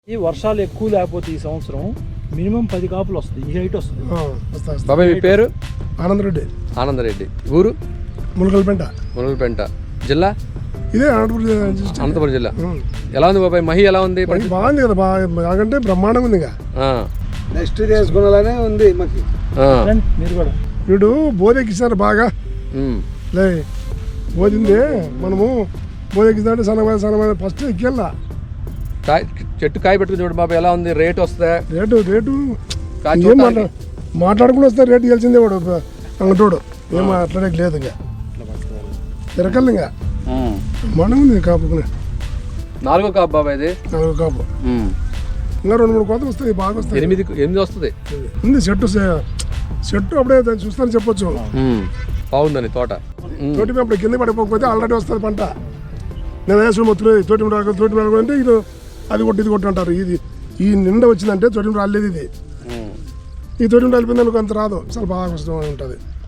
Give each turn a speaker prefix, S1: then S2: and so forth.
S1: ఈ వర్షాలు ఎక్కువ లేకపోతే ఈ సంవత్సరం మినిమం 10 కాపులు వస్తాయి. ఈ హైట్ వస్తుంది.
S2: బాబాయ్ మీ పేరు?
S3: ఆనందరెడ్డి.
S2: ఆనందరెడ్డి. ఊరు?
S3: ములకలపేంట.
S2: జిల్లా?
S3: ఇదే
S2: అనంతపురం జిల్లా. ఎలా ఉంది బాబాయ్ మహి? ఎలా ఉంది?
S3: బాగుంది కదా, బాగంటే బ్రహ్మాండంగా ఉంది.
S4: నెక్స్ట్ చేసుకునేలానే ఉంది మాకు.
S1: మీరు కూడా
S3: వీడు బోరెక్కిస్తారు బాగా లే బోధింది. మనము బోరెక్కిస్తాంటే సన్నమైన ఫస్ట్ ఎక్కేళ్ళ
S2: చెట్టు కాయ పెట్టుకుని చూడు బాబాయ్, ఎలా ఉంది? రేటు వస్తుందా?
S3: రేటు ఏం మాట్లాడుకుని వస్తే రేటు గెలిచిందే వాడు అంగటోడు. ఏం మాట్లాడే లేదు. ఇంకా తిరగలు ఇంకా మనం ఉంది కాపుకునే.
S2: 4వ కాపు బాబాయ్ ఇది.
S3: 4వ కాపు. ఇంకా 2-3 కోతలు వస్తాయి, బాగా వస్తాయి.
S2: 8 వస్తుంది.
S3: ఉంది చెట్టు అప్పుడే చూస్తాను చెప్పొచ్చు.
S2: బాగుందని తోట.
S3: తోటి అప్పుడు కింద పడిపోకపోతే ఆల్రెడీ వస్తుంది పంట. నేను వేసుకుని మొత్తం తోటి అంటే ఇది అది కొట్టి ఇది కొట్టి అంటారు. ఈ నిండా వచ్చిందంటే తోటి రాలేదు. ఇది ఈ తోటి రాలిపోయింది అనుకో అంత రాదు, చాలా బాగా కష్టం ఉంటుంది.